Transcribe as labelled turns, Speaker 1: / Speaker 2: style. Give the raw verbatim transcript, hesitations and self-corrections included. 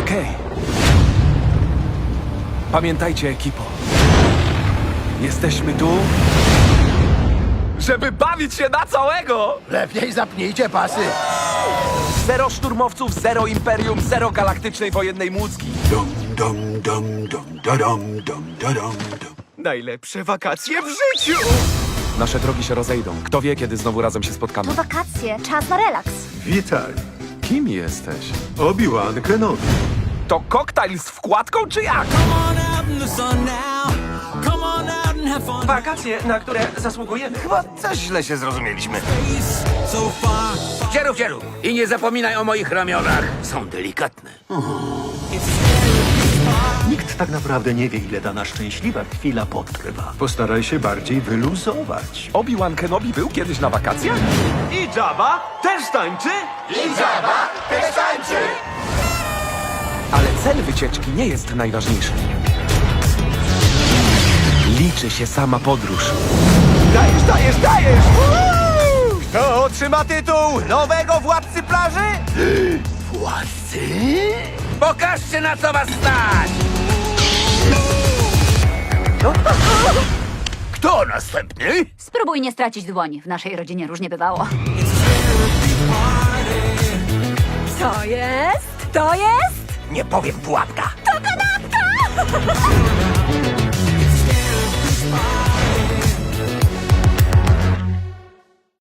Speaker 1: Okej. Pamiętajcie, ekipo. Jesteśmy tu, żeby bawić się na całego!
Speaker 2: Lepiej zapnijcie pasy.
Speaker 1: Zero szturmowców, zero imperium, zero galaktycznej wojennej mózgi.
Speaker 3: Dum dum dum dum da dum dum da dum dum.
Speaker 1: Najlepsze wakacje w życiu! Nasze drogi się rozejdą. Kto wie, kiedy znowu razem się spotkamy.
Speaker 4: To wakacje, czas na relaks.
Speaker 5: Witaj,
Speaker 1: Kim jesteś?
Speaker 5: Obi-Wan Kenobi.
Speaker 1: To koktajl z wkładką, czy jak?
Speaker 6: Wakacje, na które zasługujemy.
Speaker 2: Chyba coś źle się zrozumieliśmy. Dzierów, dzierów. I nie zapominaj o moich ramionach. Są delikatne.
Speaker 7: Nikt tak naprawdę nie wie, ile dana szczęśliwa chwila potrwa.
Speaker 5: Postaraj się bardziej wyluzować.
Speaker 1: Obi-Wan Kenobi był kiedyś na wakacjach?
Speaker 6: I Jabba też tańczy?
Speaker 1: Ale cel wycieczki nie jest najważniejszy. Liczy się sama podróż.
Speaker 6: Dajesz, dajesz, dajesz! Kto otrzyma tytuł nowego władcy plaży?
Speaker 2: Władcy? Pokażcie, na co was stać! Kto następny?
Speaker 4: Spróbuj nie stracić dłoni. W naszej rodzinie różnie bywało. Co jest? To jest?
Speaker 2: Nie powiem, pułapka.
Speaker 4: To kanapka!